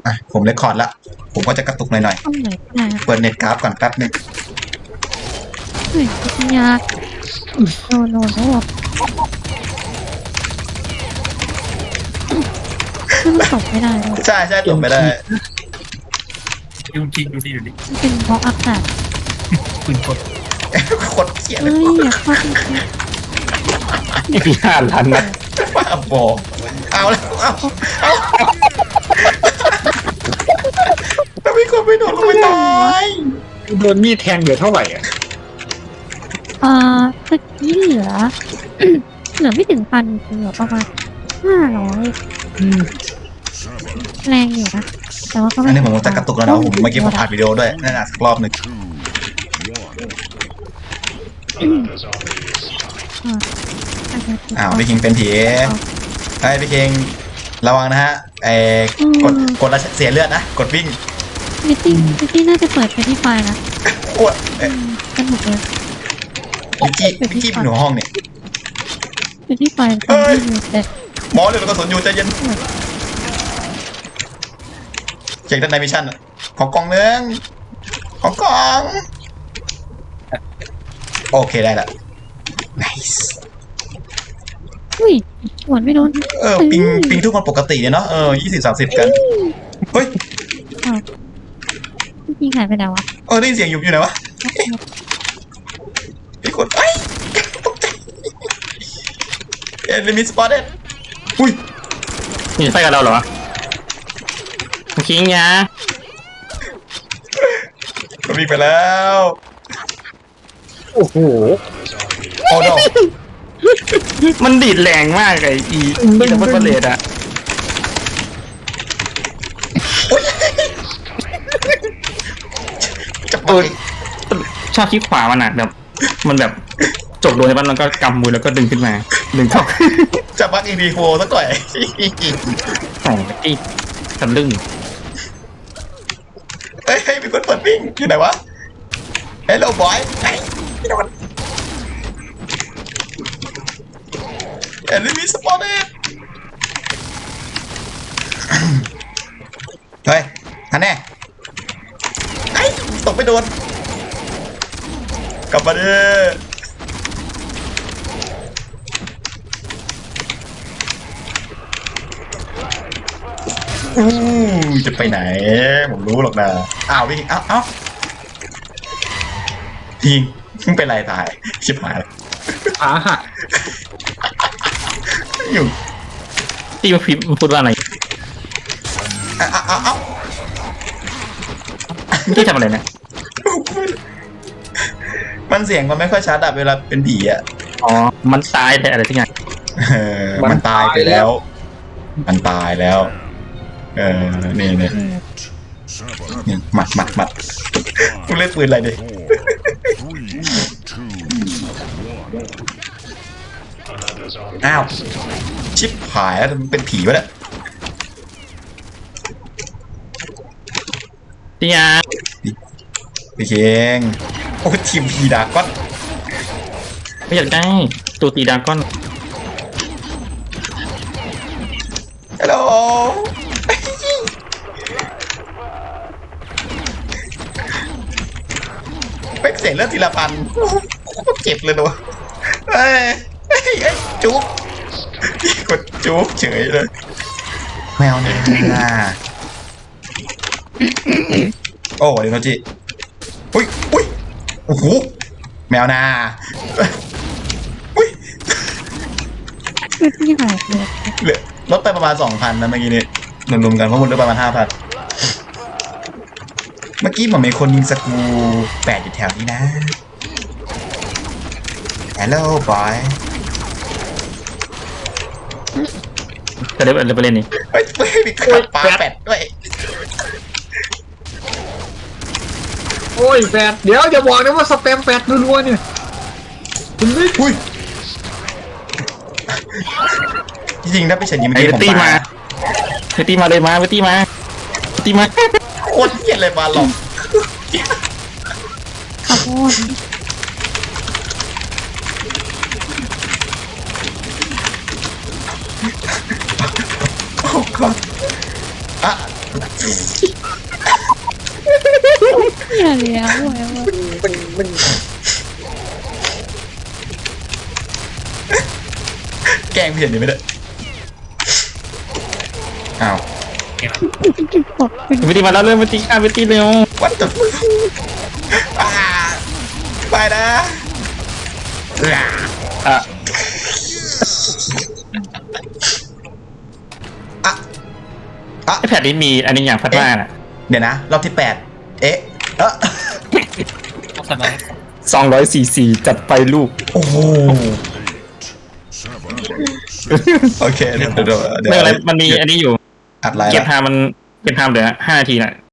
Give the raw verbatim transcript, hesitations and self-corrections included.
อ่ะผมเรคคอร์ดละผมก็จะกระตุกหน่อยต้องไหนก็ได้ๆเปิดเน็ตกราฟก่อนแป๊บนึงเฮ้ยปัญญาโนโนโนมันตกไม่ได้เลยใช่ใช่ตกไม่ได้ดูจริงดูสิดูดิมันเป็นเพราะอากาศปืนกดโคตรเกลียดเลเฮ้ยยอยากเข้าไปแค่อีกห้าล้านนัดบ้าบอเอาแล้วเอาเอาถ้ามีคนไม่โดนก็ไม่ตายโดนมีดแทงเหลือเท่าไหร่อ่ะเอ่อตะกี้เหลือ เหลือไม่ถึงพันเหลือประมาณห้าร้อยแรงอยู่นะแต่ว่าก็ไม่อันนี้ผมจะกระตุกแล้วนะผมเมื่อกี้ผมอัดวิดีโอด้วยนั่นอ่ะสักรอบหนึ่ง อ้าวพี่คิงเป็นผีไอ้พี่คิงระวังนะฮะไอ้กดกดแล้วเสียเลือดนะกดวิ่งมิตติ้งมิตติ้งน่าจะเปิดไปที่ไฟนะปวดเอ้ยสนุกเลยวิกกี้วิกกี้เป็นหัวห้องเนี่ยไปที่ไฟตอนที่อยู่แต่หมอเลยแล้วก็สนอยู่ใจเย็นเช็คด้านในมิชชั่นของกล่องนึงของกล่องโอเคได้ละ nice อุ้ยหวนไม่โดนเออปิงปิงทุกคนปกติเนี่ยเนาะเออยี่สิบสามสิบกันเฮ้ยอ้าวจริงหายไปแล้ววะเออได้ยินเสียงอยู่อยู่ไหนวะพี่กดไอ้ตกใจเอ็นลิมิตสปอตเด็ดอุ้ยนี่ไฟกับเราเหรอคิงยามันวิ่งไปแล้วโอ้โหโอ้ดอกมันดีดแรงมากไอ้อีอีดับเบิลเลดอะจะไปชอบคลิกขวามันอะแบบมันแบบจบโดนในบ้านแล้วก็กำมือแล้วก็ดึงขึ้นมาดึงเข้าจะบักอีดีโฟสักหน่อยโอ้ยทะลึ่งเฮ้ยมีคนเปิดวิ่งอยู่ไหนวะเฮลโลบอยไอ้พี่โดนเอ็นลิมิตสปอตเด็ดเฮ้ยฮันแน่ไอ้ตกไปโดนกลับมาเด้ออู้จะไปไหนผมรู้หรอกนะอ้าววิ่งอ้าวอ้าวทิ้งมึงเป็นไรตายชิบหายขาหักอยู่ที่มาพิมพ์พูดว่าอะไรอ้าวอ้าวอ้าวไม่ได้ทำอะไรนะมันเสียงมันไม่ค่อยชัดอะเวลาเป็นผีอะอ๋อมันตายแต่อะไรที่ไงเออมันตายไปแล้ว มันตายแล้ว เออนี่นี่นี่หมัดหมัดหมัดกูเล่นปืนอะไรดิอ้าวชิบหายแล้วมันเป็นผีวะเนี่ยที่ยาพี่เคงโอ้ทีมผีดาก้อนไม่อยากได้ตัวตีดราก้อนฮัลโหลเป็นเสียงเลือดทีละพันโคตรเจ็บเลยนะวะเอ้ยเอ้ยเอ้ยจุ๊บพี่กดจุ๊บเฉยเลยแมวเนี่ยโอ้เดี๋ยวนะจิอุ้ยอุ้ยโอ้โหแมวนาอุ้ยไม่ที่หายเลยเหลือลดไปประมาณสองพันนะเมื่อกี้นี้รวมๆกันเพราะมันลดประมาณห้าพันเมื่อกี้เหมือนมีคนยิงสกรูแปดอยู่แถวนี้นะฮัลโหลบอยจะได้ไปเล่นนี่เฮ้ยเฮ้ยมีขับปลาแปดด้วยโอ้ยแฟดเดี๋ยวอย่าบอกนะว่าสแปมแฟดรัวๆเนี่ยคุณไม่อุ้ยจริงๆถ้าไปเฉินยิงเมื่อไอ้กี้ผมตีปมาลาไอ้ตีมาเลยมาไอ้ตีมาตีมาโคตรเกลียดเลยบาหลอกขับโอนโอ้god อ่ะอย่าเลี้ยวเว้ยมันมันแกล้งเพี้ยนอยู่ไม่ได้อ้าวบอกเป็นวิธีมาแล้วเริ่มวิธีอ่ะวิธีเร็ว what the fuck อ่าไปนะอ่าอ่ะอ่ะอ่ะไอแพดนี้มีอันนี้อย่างพัดว่าน่ะเดี๋ยวนะ รอบที่แปดเอ๊ะเออต้องสบายสองร้อยสี่สี่จัดไปลูกโอ้โหโอเคเดี๋ยวเดี๋ยวเดี๋ยวไม่เป็นไรมันมีอันนี้อยู่อัดไลน์เก็บละไทม์มันเก็บไทม์เหลือห้านาทีน่ะ